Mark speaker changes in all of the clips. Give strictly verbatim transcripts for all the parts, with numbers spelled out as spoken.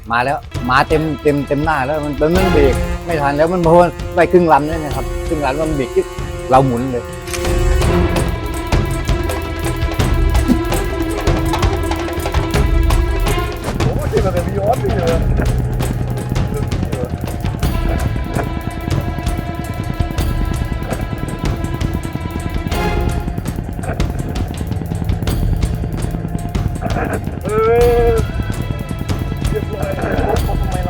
Speaker 1: มาแล้วมาเต็มเต็มเต็มหน้าแล้วมันมันเบรกไม่ทันแล้วมันพอไปครึ่งลำนี่นะครับครึ่งลำมันเบรกที่เราหมุนเลย
Speaker 2: โอ้ที่มันเป็นวิออสนี่เลยเออเรียบร้อยทำไมเรา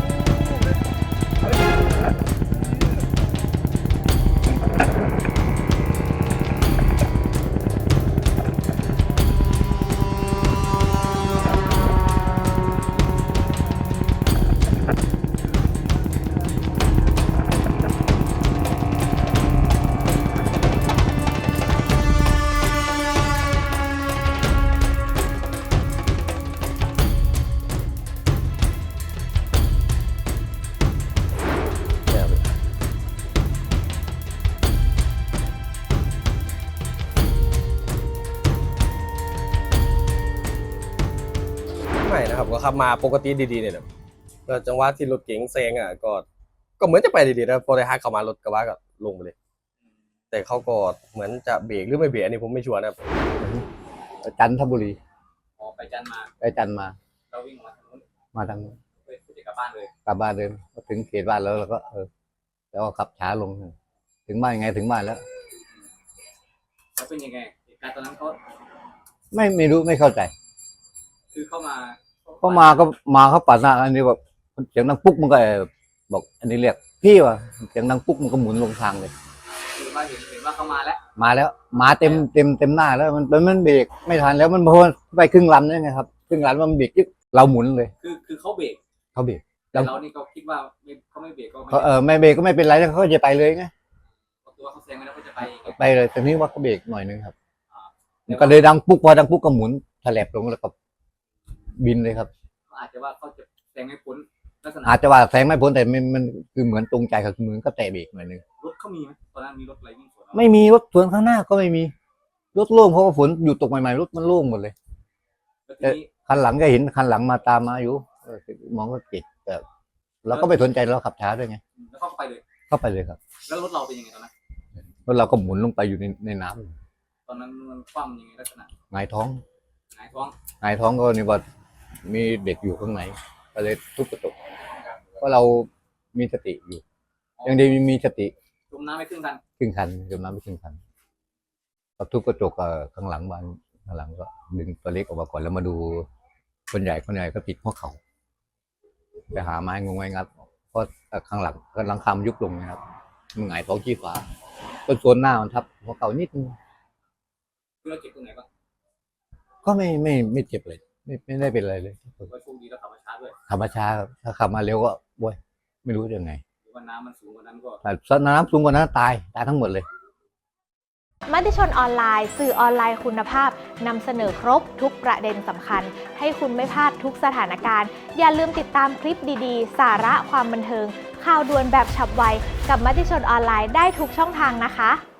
Speaker 3: ไม่นะครับก็ขับมาปกติดีๆเนี่ยนะก็จังหวะที่รถเก๋งแซงอ่ะก็ก็เหมือนจะไปดีๆนะพอได้ฮักเข้ามารถกระบะก็ลงไปเลยแต่เขาก็เหมือนจะเบรกหรือไม่เบรกอันนี้ผมไม่ชัวร์นะครับ
Speaker 1: จันทบุรี
Speaker 4: ออกไปจันมา
Speaker 1: ไปจันมา
Speaker 4: เราวิ่งมาทางนู้น
Speaker 1: มาทางนู้น
Speaker 4: เพื่อจะกลับบ้านเลย
Speaker 1: กลับบ้านเดินพอถึงเขตบ้านแล้วเราก็เออแล้วก็ขับช้าลงถึงบ้านยังไงถึงบ้านแล้ว
Speaker 4: แล้วเป็นยังไงเหตุการณ์ตอนนั้นเขา
Speaker 1: ไม่ไม่รู้ไม่เข้าใจ
Speaker 4: คือเข้ามา
Speaker 1: ก็มาก็มาเขาปาดหน้าอันนี้แบบเสียงดังปุ๊กมันก็บอกอันนี้เรียกพี่ว่ะเสียงดังปุ๊กมันก็หมุนลงทางเลย
Speaker 4: คือว่าเห็นเห็นว่าเขามาแล้ว
Speaker 1: มาแล้วมาเต็มเต็มเต็มหน้าแล้วมันมันเบรกไม่ทันแล้วมันพอไปครึ่งลำนี่ไงครับครึ่งลำมันเบรกที่เราหมุนเลย
Speaker 4: คือคือเขาเบรก
Speaker 1: เขาเบรก
Speaker 4: แต่เรานี่เขาคิดว่าไม่เขาไม่เบรกก็ไม่
Speaker 1: เขาเออไม่เบรกก็ไม่เป็นไรแล้วเขาจะไปเลยไง
Speaker 4: ตัวเขาแซงไปแล้วเขาจะไปอีก
Speaker 1: ไปเลยแต่นี้ว่าเขาเบรกหน่อยนึงครับมันก็เลยดังปุ๊กพอดังปุ๊กก็หมุนแถลบลงแล้วก็บินเลยครับ
Speaker 4: อาจจะว่าเขาจะแซงไม่พ้นลักษณะ
Speaker 1: อาจจะว่าแซงไม่พ้นแต่มันมันคือเหมือนตรงใจกับมือก็แตะเบรกหน่อยนึง
Speaker 4: รถเขามีไหมตอนนั้นมีรถอะไรวิ่งสวนเรา
Speaker 1: ไม่มีรถสวนข้างหน้าก็ไม่มีรถโล่งเพราะว่าฝนอยู่ตกใหม่ๆรถมันโล่งหมดเลย
Speaker 4: แล้วทีนี้
Speaker 1: คันหลังก็เห็นคันหลังมาตามมาอยู่เออมองก็เจ็บแต่เราก็ไม่สนใจเราขับช้าด้วยไง
Speaker 4: แล้วเขาก็ไปเลย
Speaker 1: เข้าไปเลยครับ
Speaker 4: แล้วรถเราเป็นยังไงตอนนั้น
Speaker 1: แล้วเราก็หมุนลงไปอยู่ในในน้ำ
Speaker 4: ตอนนั้นมันคว่ำยังไงลักษณะ
Speaker 1: หงายท้อง
Speaker 4: หงายท้อง
Speaker 1: หงายท้องก็นี่ว่ามีเด็กอยู่ข้างในก็เลยทุบกระจกเพราะเรามีสติอยู่ยังดีมีมีสติ
Speaker 4: จมน้ำไม่ขึ้นกัน
Speaker 1: ครึ่งคันจมน้ำไปครึ่งคันพอทุบกระจกเอ่อข้างหลังบ้านข้างหลังก็ดึงตัวเล็กออกมาก่อนแล้วมาดูคนใหญ่คนใหญ่ก็ติดหัวเข่าไปหาไม้งงไม้งัดเพราะข้างหลังก็หลังคามันยุบลงนะครับมันหงายท้องชี้ฟ้าต้นโซนหน้ามันทับหัวเข่านิดนึง
Speaker 4: คือเราเจ็บตรงไหนบ้าง
Speaker 1: ก็ไม่ไม่ไม่เจ็บเลย ไม่ไม่ได้เป็นอะไรเลย
Speaker 4: ว่าโชคดีแล้วขับมาช้าด้วย
Speaker 1: ขับมาช้าครับถ้าขับมาเร็วก็โว้ยไม่รู้จะยังไง
Speaker 4: หรือว่าน้ำมันสูงกว่านั้นก็
Speaker 1: แต่น้ำสูงกว่านั้นตายตายทั้งหมดเลย
Speaker 5: มติชนออนไลน์สื่อออนไลน์คุณภาพนำเสนอครบทุกประเด็นสำคัญ ให้คุณไม่พลาดทุกสถานการณ์ อย่าลืมติดตามคลิปดีๆ สาระความบันเทิง ข่าวด่วนแบบฉับไวกับมติชนออนไลน์ได้ทุกช่องทางนะคะ